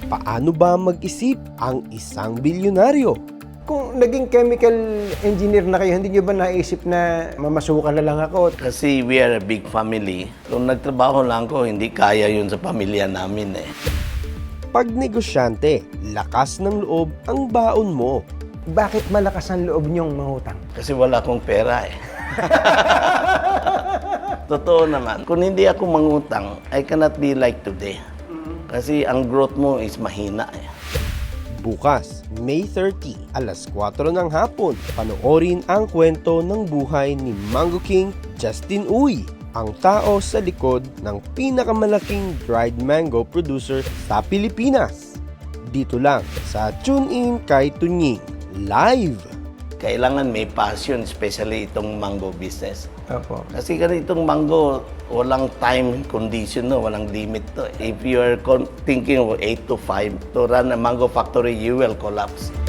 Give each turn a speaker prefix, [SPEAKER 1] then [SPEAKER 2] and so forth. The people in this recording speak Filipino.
[SPEAKER 1] Paano ba mag-isip ang isang bilyonaryo?
[SPEAKER 2] Kung naging chemical engineer na kayo, hindi nyo ba naisip na mamasukan na lang ako?
[SPEAKER 3] Kasi we are a big family. Kung nagtrabaho lang ko, hindi kaya yun sa pamilya namin eh.
[SPEAKER 1] Pag negosyante, lakas ng loob ang baon mo.
[SPEAKER 2] Bakit malakas ang loob nyong mangutang?
[SPEAKER 3] Kasi wala akong pera eh. Totoo naman. Kung hindi ako mangutang, I cannot be like today. Kasi ang growth mo is mahina eh.
[SPEAKER 1] Bukas, May 30, alas 4 ng hapon, panoorin ang kwento ng buhay ni Mango King Justin Uy, ang tao sa likod ng pinakamalaking dried mango producer sa Pilipinas. Dito lang sa Tune In kay Tunying Live.
[SPEAKER 3] Kailangan may passion, especially itong mango business.
[SPEAKER 2] Opo.
[SPEAKER 3] Kasi ganitong mango, walang time condition, no? Walang limit to. If you are thinking of 8 to 5 to run a mango factory, you will collapse.